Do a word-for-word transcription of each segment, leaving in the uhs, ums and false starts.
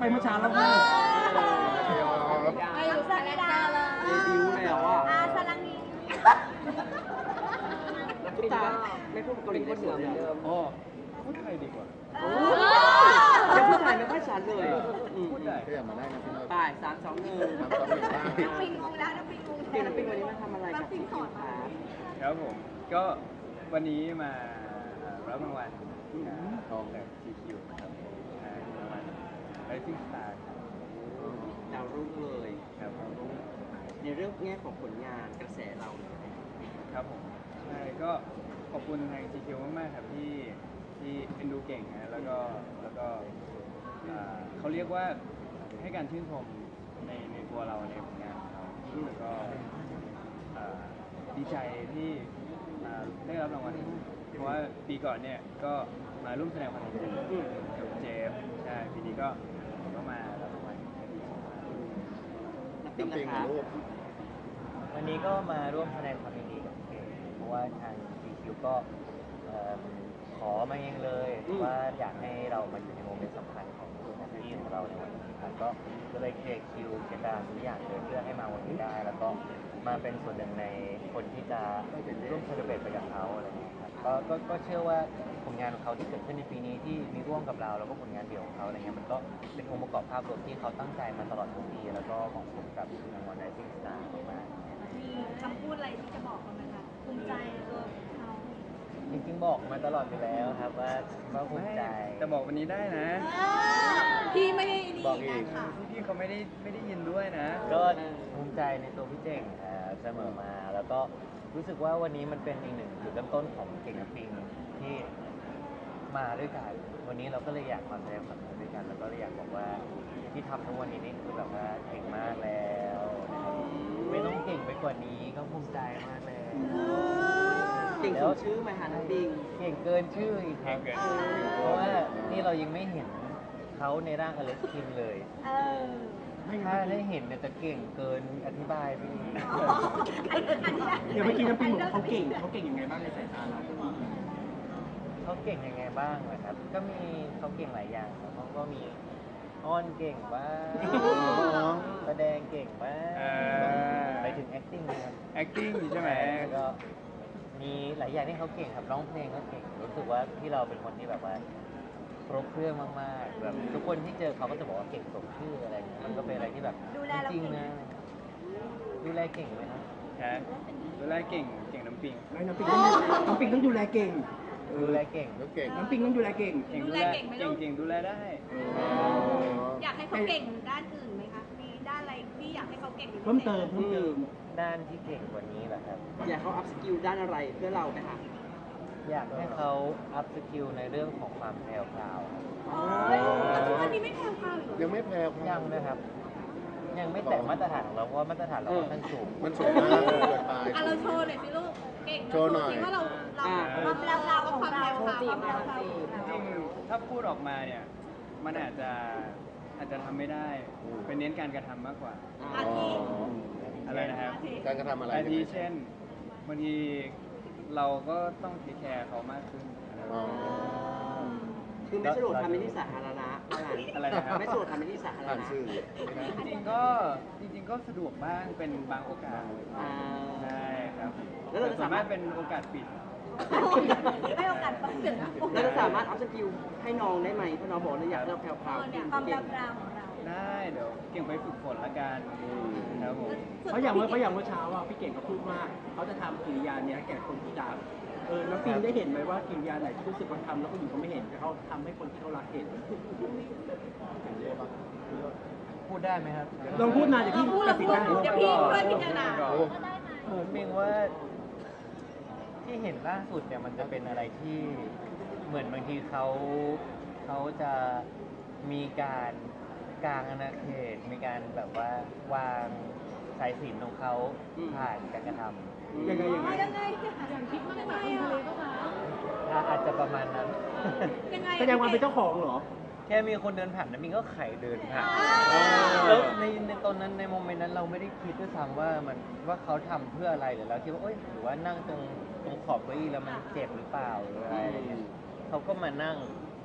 ไปเมื่อเช้าแล้วค่ะอายุสักดาเลยเดบิวต์แล้วอ่ะอาสลังนีทุกตาไม่พูดเกาหลีได้เหมือนเดิมอ๋อพูดไทยดีกว่ายังพูดไทยไม่ค่อยชัดเลยพูดได้ก็อย่ามาได้นะพี่น้องป่ายสามสองหนึ่งทำซ้อมอีกบ้างน้ำปิงงงแล้วน้ำปิงงงเก่งน้ำปิ้งวันนี้มาทำอะไรกับพี่คิวคะครับผมก็วันนี้มารับรางวัลทองจาก จี คิว นะครับรางวัล Rising Star ดาวรุ่งเลยครับผมในเรื่องแง่ของผลงานกระแสเราครับผมใช่ก็ขอบคุณทาง จี คิว มากๆครับที่ที่เอ็นดูเก่งนะแล้วก็แล้วก็อ่าเขาเรียกว่าให้การชื่นชมในในตัวเราในผลงานของเราแล้วก็อ่าดีใจที่อ่าได้รับรางวัลนี้เพราะว่าปีก่อนเนี่ยก็มาร่วมแสดงความยินดีกับเจฟใช่ปีนี้ก็ก็มารับรางวัลดีใจมากน้ำปิ้งน้ำปิงนะคะลูกวันนี้ก็มาร่วมแสดงความยินดีกับเกมเพราะว่าทาง จี คิว ก็เอิ่มขอมาเองเลยว่าอยากให้เรามาอยู่ในโมเมนต์สำคัญของแฮปปี้ของเราในวันนี้ครับก็ก็เลยเคลียร์คิวเจตนาทุกอย่างเลยเพื่อให้มาวันนี้ได้ แล้วก็มาเป็นส่วนหนึ่งในคนที่จะร่วมเซเลบรตไปกับเขาอะไรอย่างเงี้ยครับก็ก็ก็เชื่อว่าผลงานของเขาที่เกิดขึ้นในปีนี้ที่มีร่วมกับเราแล้วก็ผลงานเดี่ยวของเขาอะไรเงี้ยมันก็เป็นองค์ประกอบภาพรวมที่เขาตั้งใจมาตลอดทั้งปีแล้วก็เหมาะสมกับรางวัล Rising Star มากๆมีคำพูดอะไรที่จะบอกเขาไหมคะภูมิใจในตัวเขาจริงๆบอกมาตลอดอยู่แล้วครับว่าว่าภูมิใจแต่บอกวันนี้ได้นะพี่ไม่ได้นี่บอกอีนะกค่ะพี่เขาไม่ได้ไม่ได้ยินด้วยนะก็ภูมิใจในตัวพี่เจ๋งครับเสมอมาแล้วก็รู้สึกว่าวันนี้มันเป็นอีกหนึ่งจุดเริ่มต้นของเก่งกับปิงที่มาด้วยกันวันนี้เราก็เลยอยากมาแสดงความยินดีด้วยกัน แล้วก็เลยอยากบอกว่าที่ทำทั้งวันนี้นี่คือแบบว่าเก่งมากแล้วนะครับไม่ต้องเก่งไปกว่านี้ก็ภูมิใจมากแล้วเก่งสมชื่อไหมคะน้ำปิ้งเก่งเกินชื่ออีกครับเก่งเกินชื่อเพราะว่านี่เรายังไม่เห็นเขาในร่างอเล็กซ์คิมเลยเออถ้าได้เห็นเนี่ยจะเก่งเกินอธิบายไปอีกเดี๋ยวเมื่อกี้น้ำปิงบอกเขาเก่งเขาเก่งยังไงบ้างในสายตาเราเขาเก่งยังไงบ้างนะครับ ก็มีเขาเก่งหลายอย่างครับเขาก็มีอ้อนเก่งบ้างแสดงเก่งบ้างเออไปถึง acting นะครับ acting ใช่ไหมแล้วก็มีหลายอย่างที่เขาเก่งครับร้องเพลงก็เก่งรู้สึกว่าที่เราเป็นคนที่แบบว่าครบเครื่องมากๆแบบทุกคนที่เจอเขาก็จะบอกว่าเก่งสมชื่ออะไรอย่างเงี้ยมันก็เป็นอะไรที่แบบดูแลเราจริงเก่งๆนะดูแลเก่งไหมครับฮะดูแลเก่งเก่งน้ำปิงแล้วน้ำปิงต้องน้ำปิงต้องดูแลเก่งเอดูอแลเก่งลูกเก่งน้ำปิงต้องดูแลเก่งเก่งดูดูแลแลเก่งไหมลูเก่งกเก่งดูแลได้อยากให้เขาเก่งด้านอื่นไหมคะ มีด้านอะไรที่อยากให้เขาเก่งเป็นพิศษเพิ่มเติมเพิ่มเติมด้านที่เก่งกว่านี้แหละครับอยากเขาอัพสกิลด้านอะไรเพื่อเราไหมคะอยากให้เขาอัพสกิลในเรื่องของความแพรวพราวโอ้ยแต่ทุกวันนี้ไม่แพงพราวอีกเหรอยังไม่แพ้ยังนะครับ ยังไม่แตะมาตรฐานของเราเพราะว่ามาตรฐานเราค่อนข้างสูงมันสูงมากเกินไปอ่ะเราโชว์หน่อยสิลูก เก่งโชว์หน่อยสิว่าเราเราความแพรวพราวความแพรวพราวความแพรวพราวของจเราริงๆถ้าพูดออกมาเนี่ย มันอาจจะอาจจะทำไม่ได้ เป็นเน้นการกระทำมากกว่าอาทิอะไรนะครับอาทิการกระทำอะไรอาทิเช่นบางทีเราก็ต้องเทคแคร์เขามากขึ้นอ๋อคือไม่สะดวกทำในที่สาธารณะว่างั้นอะไรนะครับไม่สะดวกทำในที่สาธารผ่านณะสื่อจริงๆก็จริงๆก็สะดวกบ้างเป็นบางโอกาสอ่าใช่ครับแล้วเราจะส่วสาน มามาร กถเป็นโอกาสปิดให้โอกาสเปิดนะแล้วจะสามารถอัพสกิลให้น้องได้ไหมเพราะน้องบอกเลยอยากให้เราแพรวเออๆเนี่เก่ยงความแพรเก่วงพราวของเราได้เดี๋ยวเก่งไปฝึกฝนละกันครับผมเพราะอย่างเมื่อเพราะอย่างเมื่อเช้าอ่ะพี่เก่งก็พูดว่าเขาจะทำกิริยาเนี้ยแก่คนที่ด่าเออน้ำปิงได้เห็นไหมว่ากิริยาไหนที่รู้สึกว่าทำแล้วคนอื่นเขาไม่เห็นแต่เขาทำให้คนที่เขารักเห็นพูดได้ไหมครับลองพูดมาเดี๋ยวเราพี่พูดตัเราดสินพูดได้เดี๋ยวพี่ช่วยพิจารณาโอ้ผมเองว่าที่เห็นล่าสุดเนี่ยมันจะเป็นอะไรที่เหมือนบางทีเขาเขาจะมีการกลางอาณาเขตมีการแบบว่าวางสายสิญจนของเขาผ่านการกระทำยังไงยังไงยังไงอย่างคิดว่ายังไงอ่ะอ่ะอาจจะประมาณนั้นยังไงแสดงความเป็นเจ้าของเหรอแค่มีคนเดินผ่านนะมิงก็ไขเดินผ่านอ่าแล้วในในตอนนั้นในโมเมนต์นั้นเราไม่ได้คิดด้วยซ้ำว่ามันว่าเขาทำเพื่ออะไรหรือเราคิดว่าเอ้ยหรือว่านั่งตรงตรงขอบเก้าอี้แล้วมันเจ็บหรือเปล่าหรืออะไรอะไรเงี้ยเขาก็มานั่ง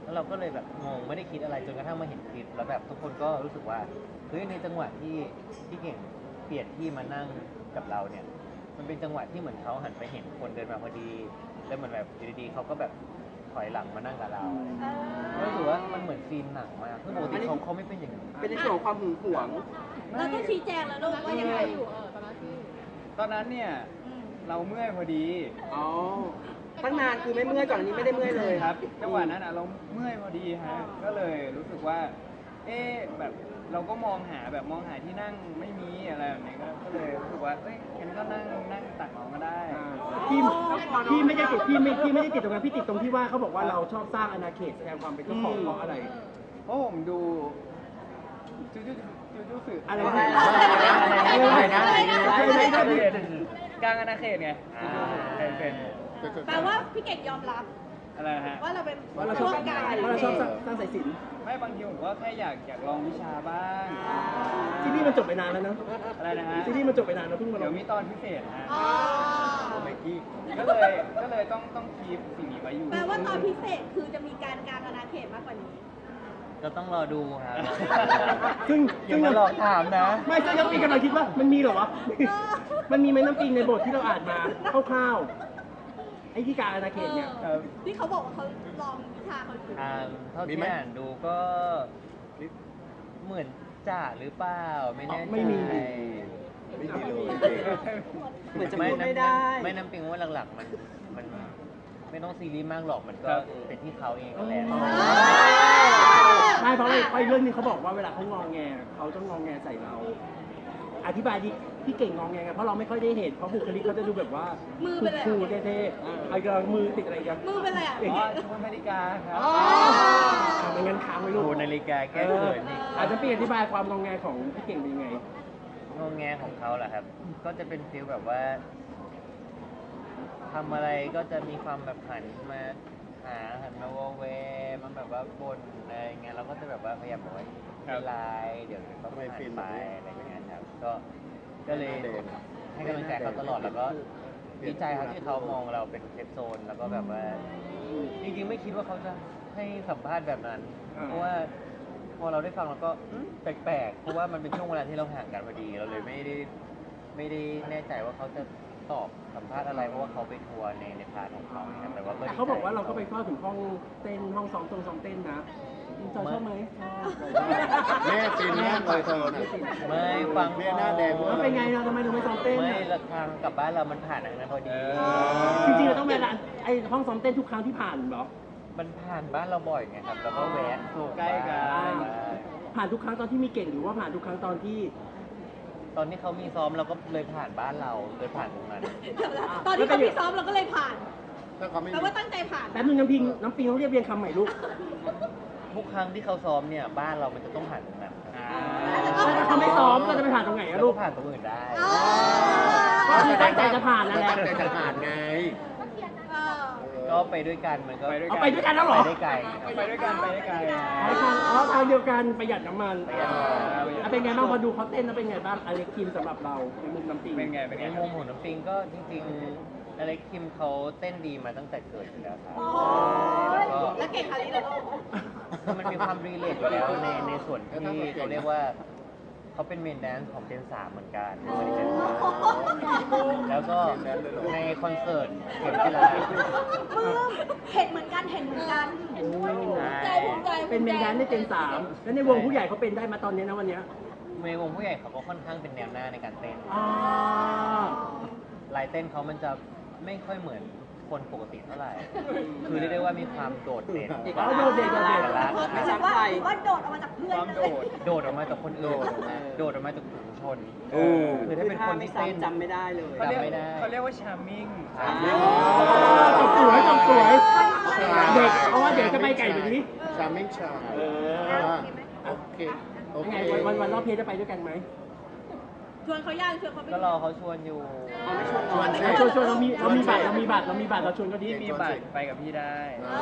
แล้วเราก็เลยแบบงงไม่ได้คิดอะไรจนกระทั่งมาเห็นคลิปแล้วแบบทุกคนก็รู้สึกว่าเฮ้ยในจังหวะที่ที่เก่งเปลี่ยนที่มานั่งกับเราเนี่ยมันเป็นจังหวะที่เหมือนเขาหันไปเห็นคนเดินมาพอดีแล้วเหมือนแบบอยู่ดีๆเขาก็แบบถอยหลังมานั่งกับเราก็รู้สึกว่ามันเหมือนซีนหนังมากคือปกติเขาเขาไม่เป็นอย่างนี้เป็นในส่วนของความหึงหวงเราต้องชี้แจงแล้วลูกว่ายังไงอยู่ตอนนั้นเนี่ยเราเมื่อยพอดีอ๋อ ตั้งนานคือไม่เมื่อยก่อนอันนี้ไม่ได้เมื่อยเลยครับจังหวะนั้นอ่ะเราเมื่อยพอดีฮะก็เลยรู้สึกว่า เอ๊ะแบบเราก็มองหาแบบมองหาที่นั่งไม่มีอะไรแบบนี้ก็ก็เลยรู้สึกว่าเอ้ยงั้นก็นั่งนั่งตักน้องก็ได้พี่พี่ไม่ได้ติดพี่ไม่พี่ไม่ได้ติดตรงนั้นพี่ติดตรงที่ว่าเขาบอกว่าเราชอบสร้างอาณาเขตแสดงความเป็นเจ้าของเพราะอะไรเพราะผมดูจูจูจูจูสึอะไรอะไรนะอะไรนะอะไรนะกลางอาณาเขตไงเป็นเป็นแปลว่าพี่เก่งยอมรับอะไรนะฮะว่าเราเป็นว่าเราชอบร่วมกันว่าเราชอบสร้างสร้างสายสิญจน์ไม่บางทีผมก็แค่อยากอยากลองวิชาบ้างซีรีส์มันจบไปนานแล้วเนอะอะไรนะฮะซีรีส์มันจบไปนานแล้วเพิ่งมาลเดี๋ยงวมีตอนพิเศษฮะอ๋อไมกี้ก็เลยก็เลยต้องต้องคีปสิ่งนี้ไว้อยู่แปลว่าตอนพิเศษคือจะมีการกางอาณาเขตมากกว่านี้ก็ต้องรอดูครับซึ่งอย่าซึ่งมาหลอกถามนะไม่ซึ่งน้ำปิงกำลังคิดว่ามันมีเหรอวะ มันมีไหมน้ำปิงในบทที่เราอ่านมาคร่าวๆไอ้ที่กลารอาณาเขตเนี่ยเออที่เขาบอกว่าเขาลองวิชาเขาอยู่อ่าเท่าที่อ่านดูก็เหมือนจ่าหรือเปล่าไม่แน่ใจไม่มีไม่มีเลยเหมือนจะพูดไม่ได้ไม่น้ำปิงว่าหลักๆมันมันไม่ต้องซีรีส์มากหรอกมันก็เป็นที่เขาเองนั่นแหละไม่เพราะไอ้เรื่องนี้เขาบอกว่าเวลาเขางองแงเขาต้องงองแงใส่เรา อธิบายดิพี่เก่งงองแงไงเพราะเราไม่ค่อยได้เห็นเพราะบุคลิกเขาจะดูแบบว่ามือเป็นอะไรคูลๆเท่ๆไอ้กำลังมือติดอะไรกันมือเป็นอะไรอ่ะอ๋อชุดนาฬิกาครับอ่าไม่งั้นค้างไว้ลูดูกนาฬิกาแก้เขินอีกอาจจะเปลี่ยนอธิบายความงองแงของพี่เก่งเป็นยังไงงงแงของเขาแหละครับ ก็จะเป็นฟีลแบบว่าทำอะไรก็จะมีความแบบหันมาหาหันมาวอเวมันแบบว่าบนอะไรเงี้ยเราก็จะแบบว่าพยายามบอกว่าไม่เป็นไรเดี๋ยวต้องผ่านไปอะไรอย่างเงี้ยครับก็ก็เลยให้กำลังใจเขาตลอดแล้วก็ดีใจครับที่เขามองเราเป็นเซฟโซนแล้วก็แบบว่าจริงๆไม่คิดว่าเขาจะให้สัมภาษณ์แบบนั้นอ่าเพราะว่าพอเราได้ฟังเราก็อืมแปลกๆเพราะว่ามันเป็นช่วงเวลาที่เราห่างกันพอดีเราเลยไม่ได้ไม่ได้แน่ใจว่าเขาจะตอบสัมภาษณ์อะไรเพราะว่าเขาไปทัวร์ในในพาร์ทของเขานะครับแต่ว่าก็แต่เขาบอกว่าเราก็ไปเข้าถึงห้องเต้นห้องซ้อมตรงซ้อมเต้นนะจอยชอบไหมแม่ฟินมากเลยเธอนะไม่ฟังแม่หน้าแดงแล้วเป็นไงเราทำไมถึงไม่ซ้อมเต้นไม่อะละทางกลับบ้านเรามันผ่านอันนั้นพอดีจริงๆเราต้องไปร้านไอ้ห้องซ้อมเต้นทุกครั้งที่ผ่านเหรอมันผ่านบ้านเราบ่อยไงครับ แล้วก็แวะใกล้กันผ่านทุกครั้งตอนที่มีเก่งหรือว่าผ่านทุกครั้งตอนที่ตอนที่เขามีซ้อมเราก็เลยผ่านบ้านเราเลยผ่านตรงนั้นตอนที่เขาพี่ซ้อมเราก็เลยผ่านถ้าเขาไม่แปลว่าตั้งใจผ่านแป๊บนึงน้ำพิงน้ำปิงต้องเรียบเรียงคำใหม่ลูกทุกครั้งที่เขาซ้อมเนี่ยบ้านเรามันจะต้องผ่านตรงนั้นครับถ้าเขาไม่ซ้อมเราจะไปผ่านตรงไหนแล้อะวลูก็กผ่านตรงอื่นได้อ๋อก็คือตั้งใจจะผ่านนั่นแหละตั้งใจจะผ่านไงเออก็ไปด้วยกันมันก็ไปด้วยเอาไปด้วยกันแล้วเหรอไปได้ไกลครับไปด้วยกันไปได้ไกลอ๋อทางอ๋อทางเดียวกันประหยัดน้ำมันประหยัดน้ำมันอ่ะเป็นไงบ้างพอดูเขาเต้นแล้วเป็นไงบ้างอเล็กคิมสำหรับเราในมุมน้ำปิงเป็นไงเป็นในไงมุมของน้ำปิงก็จริงๆอเล็กคิมเขาเต้นดีมาตั้งแต่เกิดอยู่แล้วครับโอ้แล้วยก็แล้วเก่งคาริเลยคือมันมีความรีเลทอยู่แล้วในในส่วนที่เขาเรียกว่าเขาเป็นเมนแดนซ์ของเจนสามเหมือนกันไม่ได้เจนสามแล้วก็ในคอนเสิร์ตเข็มจิรามือเห็นเหมือนกันเห็นเหมือนกันเห็นด้วยภูมิใจภูมิใจเป็นเมนแดนซ์ในเจนสามแล้วในวงผู้ใหญ่เขาเป็นได้มาตอนนี้นะวันเนี้ยในวงผู้ใหญ่เขาก็ค่อนข้างเป็นแนวหน้าในการเต้นอ๋อลายเต้นเขามันจะไม่ค่อยเหมือนคนปกติเท่าไหร่ คือเรียกได้ว่ามีความโดดเด่นอ๋อโดดเด่นโดดเด่นอกลักษณ์ไม่ใช่ว่าว่าโดดออกมาจากเพื่อนความเลโดยดโดดออกมาจากคนอื่น โดดออกมาจากฝูงชนโอ้คือถ้าเป็นคนที่เต้นจำไม่ได้เลยเขาเรียกจำไม่ได้เขาเรียกว่าชาร์มิ่งจบสวยจบสวย เด็กเพราะว่าเดี๋ยวจะไปไก่แบบนี้ชามิงชาเออโอเค โอยังเคไงวันวันวันรอบเพลจะไปด้วยกันไหมชวนเขาย่างชวนเขาไปก็รอเขาชวนอยู่ชวนเราชวนชวนเรามีเรามีบัตรเรามีบัตรเรามีบัตรเราชวนก็ดีพี่มีบัตรไปกับพี่ได้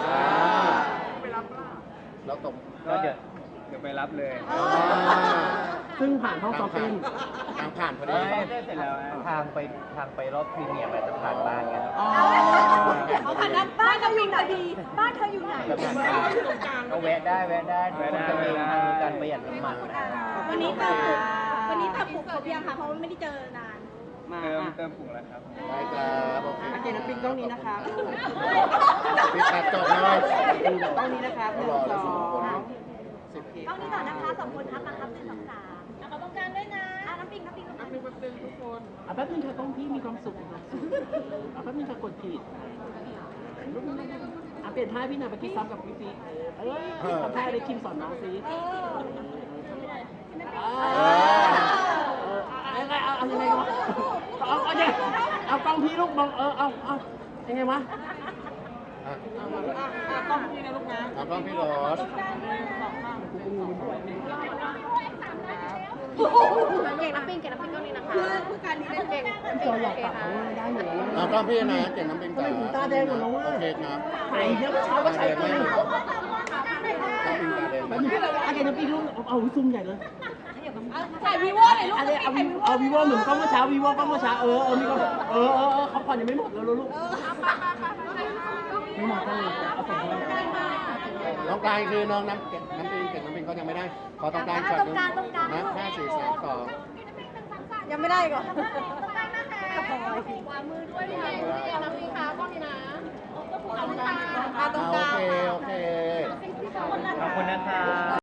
แล้วตบก็เดี๋ยวเดี๋ยวไปรับเลยซึ่งผ่านห้องซ้อมเต้นทางผ่านพอดีเอ้ยได้เสร็จแล้วฮะทางไปทางไปรอบพรีเมียร์อาจจะผ่านบ้านไงครับอ๋อเขาผ่านด้านบ้านน้ำปิงหน่อยดีบ้านเธออยู่ไหนแบบนั้นก็แวะได้แวะได้ทุกคนจะมีทางการประหยัดน้ำมันนะวันนี้เติมผูกวันนี้เติมผูกครบยังคะเพราะว่าไม่ได้เจอนานมาเติมอ่ะเติมผงแล้วครับได้ครับโอเคอาเกณฑ์น้ำปิงกล้องนี้นะครับปิดตัดจบหน่อยกล้องนี้นะครับหนึ่งสองสิบกล้องนี้ต่อนะคะสองคนครับมาครับหนึ่งสองสามเอาตรงกลางด้วยนะอ่ะน้ำปิงน้ำปิงน้ำปิงอ่ะแป๊บนึงค่ะต้องพี่มีความสุขมีความสุขอ่ะแป๊บนึงค่ะกดผิดอ่ะเปลี่ยนท่าพี่หน่อยเมื่อกี้ซ้ำกับพี่ฟีเออทำท่าอะไรคิมสอนน้องซิเออเอายังไงเอาเอายังไงวะเอาเอายังเอากล้องพี่ลูกมองเออเอาเอายังไงวะอ่ะกล้องนี้นะลูกนะเอากล้องพี่โรสเก่งน้ำปิงเก่งน้ำปิงกล้องนี้นะคะคือคือการนี้เล่นเก่งจออยากตัดเขาได้อยู่แล้วเอากล้องพี่นะเก่งน้ำปิงทำไมหูตาแดงหมดแล้ววะโอเคครับถ่ายเยอะเช้าก็ใช้ไปน้ำปิงตาแดงแป๊บนึงอาเกนปีลูกเอาเอาซูมใหญ่เลยถ่ายวีโวหน่อยลูกอันนี้เอาเอาวีโวเหมือนกล้องเมื่อเช้าวีโวกล้องเมื่อเช้าเออเออมีกล้องเออเออเออเขาผ่อนยังไม่หมดแล้วลูกไม่หมดเลยเอาส่งไปน้องกลางคือน้องน้ำเก่งน้ำปิงเก่งน้ำปิงเขายังไม่ได้ ขอตรงกลางช็อตหนึงนะห้าสี่สามสองยังไม่ได้ก่อนวางมือด้วยพี่เก่งพี่เก่งน้ำปิงค่ะกล้องนี้นะตรงกลางโอเคโอเคขอบคุณนะครับ